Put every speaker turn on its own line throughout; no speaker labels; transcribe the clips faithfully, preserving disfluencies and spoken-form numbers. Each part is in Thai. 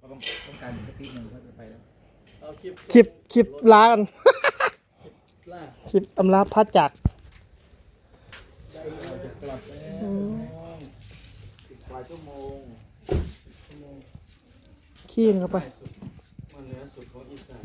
ต้องต้องการสักทีหนึ่งเขาจะไปแล้วเอาคลิป
คลิปคลิปลากัน
ล่า
คลิปอำลาพัดจาก
ได้เราจะกลับแล้วอีกกว่าชั่วโมงชั่วโมง
ขี้เข้าไป
มันเหนือสุดของอีสาน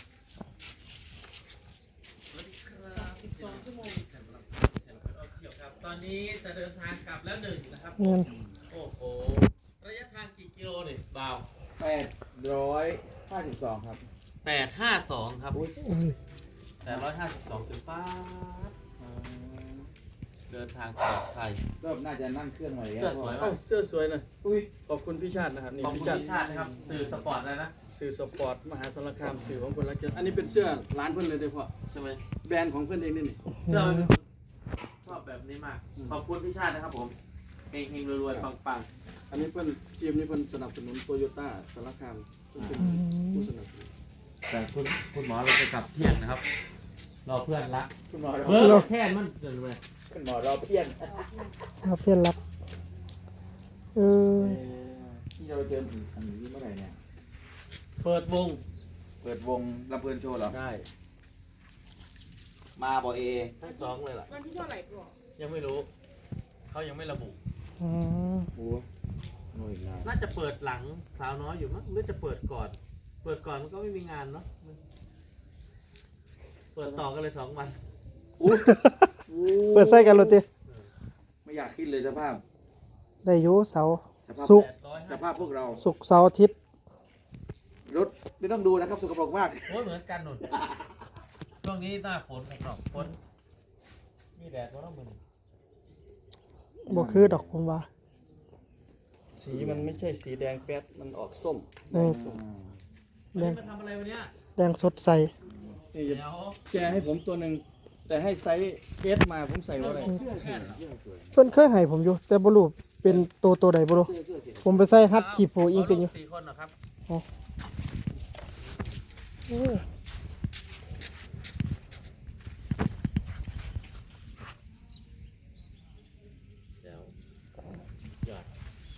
ตอนนี้จะเดินทางกลับแล้วหนึ่งนะครับ
เงิน
โอ้โหระยะทางกี่กิโลเนี่ยบ่าว
แปดร้อยห้าสิบสองครับ
แปดห้าสองครับ
อุ้ย
แปดร้อยห้าสิบสองถึงป้าบเดินทางปลอดภัย
รอบน่าจะนั่งเครื่องหน่อย
เสื้อสวย
เอ้า
มาก
เสื้อสวยเลย
อุ้ย
ขอบคุณพี่ชาตินะครับนี่
ขอบคุณพี่ชาตินะครับสื่อสปอร์ตเลยนะ
สื่อสปอร์ตมหาสารคามสื่อของคนรักเกียรติอันนี้เป็นเสื้อร้านเพื่อนเลยโดยเฉพาะ
ใช่ไหม
แบรนด์ของเพื่อนเองนี่นี่
เสื้อมันชอบแบบนี้มาก ขอบคุณพี่ชาตินะครับผมเฮงเฮงรวยๆปัง
อันนี้เพื่อนทีมนี้เพื่อนสนับสนุนโตโยต้าสารคามเพื่อนเป็นผู้สนับสนุน
ๆแต่คุณคุณหมอเราจะกลับเที่ยงนะครับรอเพื่อนละ
คุณหมอ
เอ
เรา
อแค่มันเดินไป
คุณหมอเราเพี้ยน
เอาเพื่อนรักเออ
ที่เราเจออีกอันนี้เมื่อไหร่เนี่ย
เปิดวง
เปิดวงลำเพลินโชว์เหรอ
ได้
มาบอเอ
ทั้งสองเลยล่ะ
วันที่เท่าไหร่ก่อน
ยังไม่รู้ เขายังไม่ระบุ
อืม
โอ้โหอีกแล้ว
น่าจะเปิดหลังสาวน้อยอยู่มั้งหรือจะเปิดก่อน เปิดก่อนมันก็ไม่มีงานเนาะเปิดต่อกันเลยสองวัน
เปิดไส้กันโรตี
ไม่อยากคิดเลยสภาพ
ได้อยุเสาร์
สภาพ
สุกร์
สภาพพวกเรา
สุกร์เสาร์อาทิตย์
รถไม่ต้องดูนะครับสกปรกมาก
โอ้ยเหมือนกันหนุนช่วงนี้หน้าฝนครับฝนมีแดดก็ต้องมึน
บ่คือดอกผมว่า
สีมันไม่ใช่สีแดงแป๊ดมันออกส้ม
แดง
วันนี้มาทำอะไรวันเนี้ย
แดงสดใส
นี่
เดี๋
จะ
ยว
แชร์ให้ผมตัวหนึ่งแต่ให้ไซส์เอสมาผมใส่ว่าอะไร
เพิ่นเคยให้ผมอยู่ แต่บ่รู้เป็นตัวตัวใดบ่รู้ผมไปใส่ฮัดขีโพอิงติงอยู่
สี่คนเหรอครับ
โอ้
เดี๋ยวยอด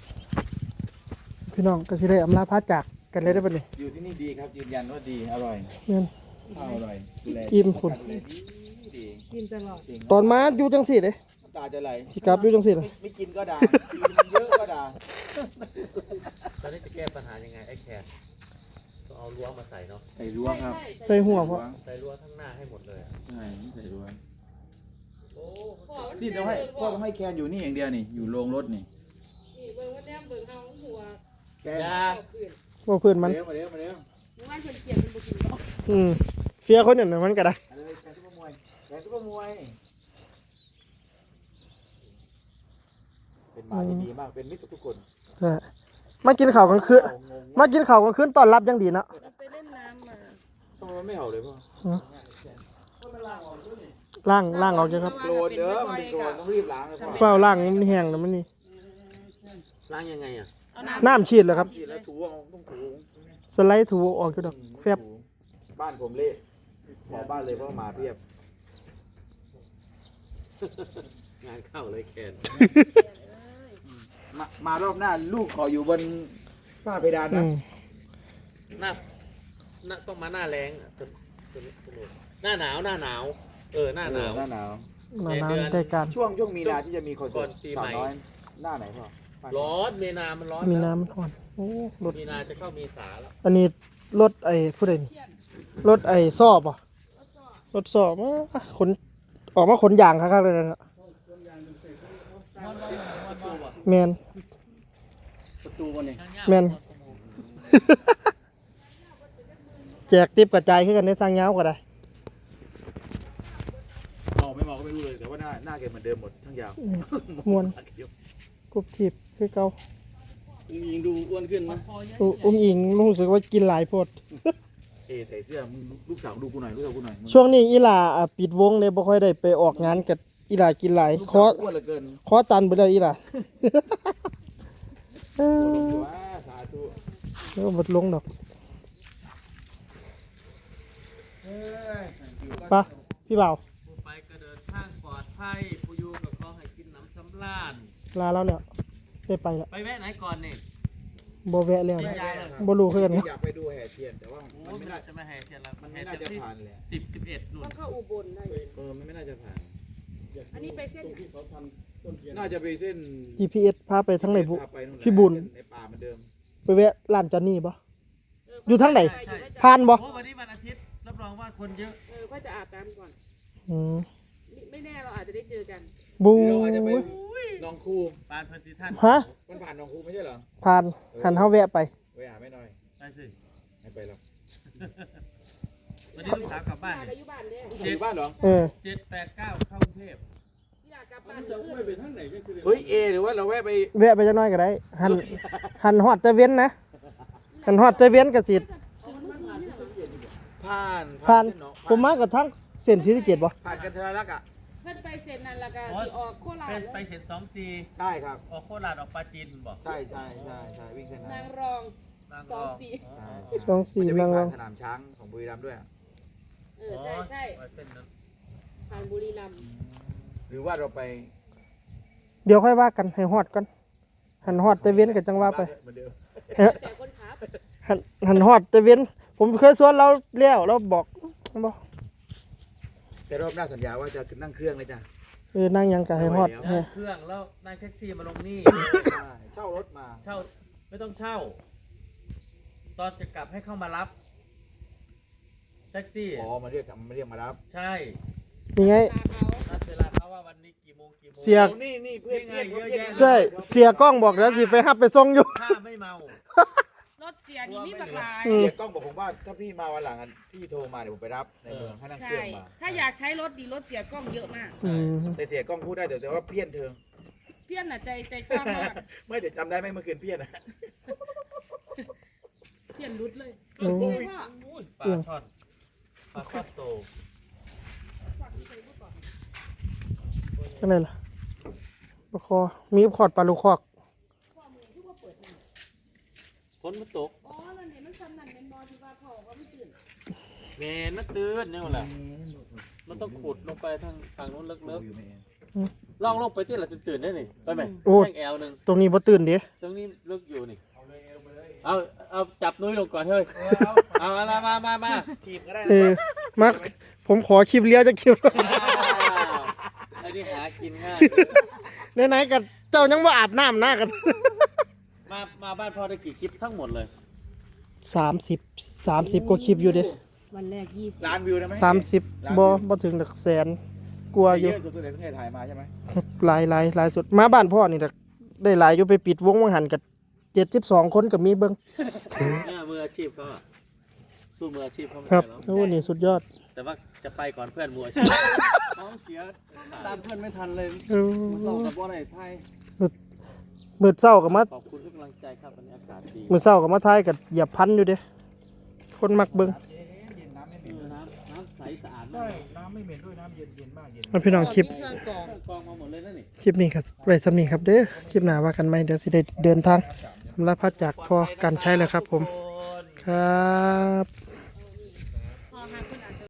พี่น้องก็สิได้อำลาพัดจากกันเลยได้อบัดนี้
อยู่ที่นี่ดีครับยืนยันว่าดีอร่อย
เงิน
ข้าวอร่อยดูแล
อิ่มคุณ
ดูแลดีดี
กินตลอด
จริง
ตอนมาอยู่จังซี่เด้
น้ำตาจะไหล
สิกลับอยู่จังซี่เลย
ไม่ไม่กินก็ด่ากินเยอะก็ด่า
ตอนนี้จะแก้ปัญหายังไงไอ้แคนต้องเอารั้วมาใส่เนาะ
ใส่รั้วครับ
ใส่หัวเพราะ
ใส่รั้วทั้งหน้าให้หมดเลยอะ
ใช่ใส่รั้ว
โอ้
นี่ต้องให้พ่อต้องให้แคนอยู่นี่อย่างเดียวนี่อยู่โรงรถนี่
นี่เบิ่งว่าแนมเบิ่งเฮาหัว
แคน
ยา
เอาเกลือน
บ่เพื่อนมัน
เร็วมาเร็วมาเร็ว
เมื่อวานเพิ่นเขียนเป็นบ่กินบ่
อืมเฟียคนอย่างนั้นมันก็ได้
เอาเลยแคนซุปเปอร์มวยแคนซุปเปอร์มวยเป็นหมาที่ดีมากเป็นมิตรกับทุกคน
ใช่มากินข้าวกลางคืนมากินข้าวกลางคืนต้อนรับอย่างดีเนาะ
ไปเล่นน้ำมา
ทำไมมันไม่เห่าเลยพ่อ
ล้างล้างออกจ้ะครับ
โกรธเด้อมันเป็นโกรธต้องรีบล้างเลยพ่อ
เฝ้าล้างมันแห้งแล้วมันนี่
ล้างยังไงอ่ะ
เอาน้ำ
น้ำฉีดแล้วครับ
ฉีดแล้วถูเอาต้องถู
สไลด์ถูออกอยู่ดอกแฟบ
บ้านผมเละหมอบ้านเลยเพราะหมาเพียบ
งานเข้าเลยแคน
มามารอบหน้าลูกขออยู่บนฝ้าเพดาน
อื
นะ
ม
หน้าหน้าต้องมาหน้าแรงอะสนุกสนุกสนุกหน้าหนาวหน้าหนาว เออหน้าหนาว
หน้าหนาว
หนาหนาวได้การ
ช่วงช่วงมีนาที่จะมีคอนเสิร์ต
ก่อนปี
สา
ใหม่
วน้อยหน้าไหนพ่อ
ร้อนเมนามันร้อน
มี
แล้ว
น้ำมันอ่อนโอ้รถ
มีนาจะเข้าเมษาแล้ว
อันนี้รถไอ้ผู้ใดนี่รถไอ้ซอบอ่ะรถซอบมาขนออกมาขนยางคักๆเลยนะแมน
ประตูวันนี้
แม่น แจกติปกระจายขึ้นกันในทางยาวก็ได้
มองไม่มองก็ไม่รู้เลยแต่ว่าหน้าหน้าแกเหมือนเดิมหมดทั้งยาว
มวนกรุบทีบคือเก่า
อุ้งยิงดูอ้วนขึ้นนะ
อุอุ้งอิงรู้สึกว่ากินหลายโพด
เอใส่เสื้อมึงลูกสาวดูกูหน่อยลูกสาวกูหน่อยมึง
ช่วงนี้อีหลาอ่ะปิดวงเลยบ่ค่อยได้ไปออกงานกับอีหลากินหลาย
ลูก
ข
สา
อ
วอ้วนเหลือเกิน
ขอตันไปเลยอีหลาเอ
โอ้ลง
อ
อยู่ว่าสาธุ
แล้วก็บดลงดอก
เฮ้ย
ไปะพี่บ่าว
ผู้ไปก็เดินทางปลอดภัยผู้อยู่กับเขาให้กินน้ำสำราญ
ลาแล้วเนี่ยได้ไปแล้ว
ไปแวะไหนก่อนนี่
บ่แวะแล้วนะบ่รู้คือกัน
ที่
นะ
อยากไปดูแห่เทียนแต่ว่า
โอ้
มัน
ย
ไม่
มัน
น่า
จะมาแห่เทียนละ
มัน
แห่
ไม่น่า
เทียน
จะ
ที่
ผ่านเลย
สิบสิบเอ็ดนู่น
ต้องเข้าอุบลได้
เออมันไม่น่าจะผ่าน
อันนี้ไปเส้น
ตรงที่เขาทำต้นเทียน
น่าจะไปเส้น
จี พี เอส พาไปทางไหนบุ
พาไปนู่นแหละ
พี่บุญ
ในป่าเหมือนเดิม
ไปแวะร้านจอนนี่บ่
เ
อยู่ทางไหน
ใช่อยู่
ผ่านบ่
โอ้วันนี้วันอาทิตย์รับรองว่าคนเยอะ
เออก็จะอาบน้ำก่อน
อืม
ไม่ไม่แน่เราอาจจะได้เจอกัน
บู
หรือเราอาจจะไปหนองคู
ปานเพอร์ซิท่าน
ฮะ
มันผ่านหนองคูไม่ใช่เหรอ
ผ่านหันเฮาแวะไป
ไปหาไม่หน่อย
ไปสิ
ไม่ไปหรอก
วันนี้ลูกสาวกลับบ้าน
อยาก
เนี่ย
อายุบ้านเนี่ย
อยู่บ้านเหรอ
เออ
เจ็ดแปดเก้าเข้ากรุงเทพ
อยากกลับบ้า
มัน นจะไม่ไปทางไหนก็คือ
เฮ้ยเอหรือว่าเราแวะไป
แวะไปจักหน่อยก็ได้ หันหันฮอดแต่เว้นนะหันฮอดแต่เว้นก็สิ
ผ่าน
ผ่าน
เส้หอง
ผมมากับทั้งเส้นศรีสะเกษบ่
ผ่านกันทะลักอ่ะ
เพื่อนไปเซ็นนั่นแล้วก็สิออกโครา
เป็
ช
นไปเห็นสองซี
ใช่ครับ
ออกโคราชออกปราจีนผมบอก
ใช่ใช่ใช่ใช่วิ่งเส้นนั้น
นางรอง
นาง
ส
ร
อง
อง
สี่
อ๋อ
สองสี่
มันจะวิ่
นาง งร
ผ่า
อน ง
สนามช้างของบุรีรัมย์ด้วยอะ
เออใช่ใช่
อ๋อเส้นนั้น
ผ่านบุรีรัมย์
หรือว่าเราไป
เดี๋ยวค่อยว่ากันให้ฮอดก่อนหันฮอดแต่เว้นก็จังว่าไป
เหมือนเดิม
แต่คนขับ
หันหันฮอดแต่เว้นผมเคยสวนเราแล้วเราบอกบ่
แต่รอบหน้าสัญญาว่าจะนั่งเครื่องเลยจ้ะ
เออนั่งหยังก็ให้ฮอด
นั่
แฮะ
งเครื่องแล้วนั่งแท็กซี่มาลงนี่
ใช่เช่ารถมา
เช่าไม่ต้องเช่า ตอนจะกลับให้เข้ามารับ แท็กซี่
อ๋อมาเรียกมาเรียกมารับ
ใช่
นี่ไง
ตาเขา
นัดเวลาเขาว่าวันนี้กี่โมงกี่โมง
เสีย
โอ้นี่นี่เพื่อน
นี่ไง
เพื่อน
เยอะแยะ
ใช่เสียกล้องบอกแล้วสิไปรับไปส่งอยู่
ถ้าไม่เมาร
ถเสียนี่มีบักหลาย
อืม
เสียกล้องบอกผมว่าถ้าพี่มาวันหลังอะพี่โทรมาเดี๋ยวผมไปรับในเมืองให้นั่งเค
ใช่
รื่องมา
ถ้าอยากใช้รถดีรถเสียกล้องเยอะมาก
อืม
แต่เสียกล้องพูดได้แต่แต่ว่าเพี้ยนเธอ
เพี้ยนน่ะใจใจกล้ามาก
ไม่เดี๋ยวจำได้ไหมเมื่อคืนเพี้ยนอะ
เพี้ยนรุดเลย
โอ้
ใช่พ่อ
อุ้ยปลาช่อนปลาช่อนโต
จังได๋ล่ะปลาคอมีขอดปลาลูกคอก
ฝนมันตก
อ๋อนั่นเห็นมันซ้ำนั่นเป็นบอที่ว่าพ่อก็ไม่ตื่น
แมนมันตื่นเนี่ยแหละมันต้องขุดลงไปทางฝั่งนู้นลึกๆล่องลงไปที่เราจะตื่นได้นี่ไปไหม
โอ้
แท่งแอลหนึ่ง
ตรงนี้บ่ตื่นเด้
ตรงนี้ลึกอยู่นี่เอาเอาจับนุ้ยลงก่อนเฮ้ยเอามามามามา
ทีมก็ได้
เออมักผมขอคลิปเลี้ยวจากคลิป
อ้าวไอ้นี่หากินง่าย
ไหนๆกับเจ้ายังบ่อาบน้ำหน้ากัน
มา มาบ้านพ่อได้กี่คลิปทั้งหมดเลย
สามสิบ สามสิบกว่าคลิปอยู่เด้
วันแรกยี่สิบ
ล้านวิวได้ไหม
สามสิบบ่บ่ถึงหลักแสนกลัวอยู่
เยอะสุดตั้งแต่ที่ถ่ายมาใช่ไหม
หลายหลายหลายสุดมาบ้านพ่อนี่แหละได้หลายอยู่ไปปิดวงวังหันกับเจ็ดสิบสองคนกับมีเบิ้ง
เนี่ยมืออาชีพเขาอะสู้มืออาชีพเขาไม่
ครับ
ได้หรอก
โอ้นี่สุดยอด
แต่ว่าจะไปก่อนเพื่อนมืออาชีพ
ท้องเสียตามเพื่อนไม่ทันเลย
เออ
มันต้องกับว่าไหนไทย
มืดเศร้ากับมา
ขอบคุณทุกกำลังใจครับวันนี้อากาศดี
มืดเศร้ากับมาทายกับเหยียบพันอยู่เด้คนมักเบิ้ง
เย็นน้ำไม่เห
เอ
ม็น
อน้ำน้ำใสสะอาด
ใช่
มาก
น้ำไม่เหม็นด้วยน้ำเย็นเย็นมากเย็น
มาพี่น้องคลิป
เครื่องกรอง
เครื่องกรองมาหมดเลยนะนี่
คลิปนี้ครับไว้สำนีครับเด้อคลิปหน้าว่ากันไหมเดี๋ยวสิได้เดินทางสำหรับพัดจากพอการใช้แล้วครับผม ครับ